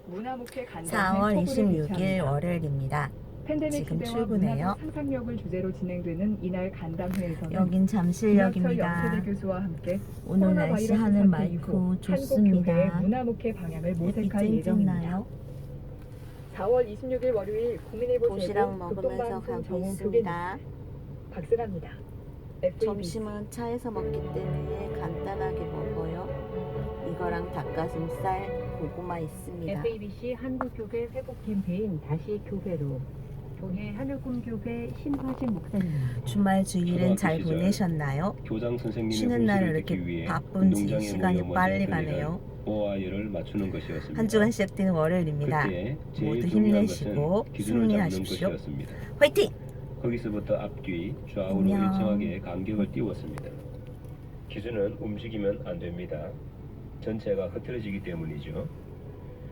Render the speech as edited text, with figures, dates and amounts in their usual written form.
문화목회 간담회 4월 포부를 26일 개최합니다. 월요일입니다. 팬데믹 지금 시대와 출근해요. 문화적 상상력을 주제로 진행되는 이날 간담회에서는 여긴 김학철 잠실역입니다. 연세대 교수와 함께 오늘 코로나 날씨 바이러스 하늘 사태 이후 맑고 한국 교회의 좋습니다. 문화목회 방향을 햇빛 모색할 예정입니다. 쨍쨍나요? 4월 26일 월요일 국민일보 도시락 세부 먹으면서 극동방송 가고 정원 있습니다. 박승합니다. FABC. 점심은 차에서 먹기 때문에 간단하게 먹어요. 이거랑 닭가슴살, 고구마 있습니다. FABC 한국교회 회복 캠페인 다시 교회로 교회 하늘꿈교회 신화진 목사님입니다. 주말 주일은 잘 시절 보내셨나요? 교장 선생님의 쉬는 날 훈시를 이렇게 듣기 위해 바쁜지 운동장에 시간이 모여 빨리 먼저 가네요. 오와 열을 맞추는 것이었습니다. 한 주간 시작되는 월요일입니다. 그때 제일 모두 중요한 힘내시고 것은 기준을 잡는 승리하십시오. 것이었습니다. 화이팅! 거기서부터 앞뒤, 좌우로 안녕. 일정하게 간격을 띄웠습니다. 기준은 움직이면 안 됩니다. 전체가 흐트러지기 때문이죠.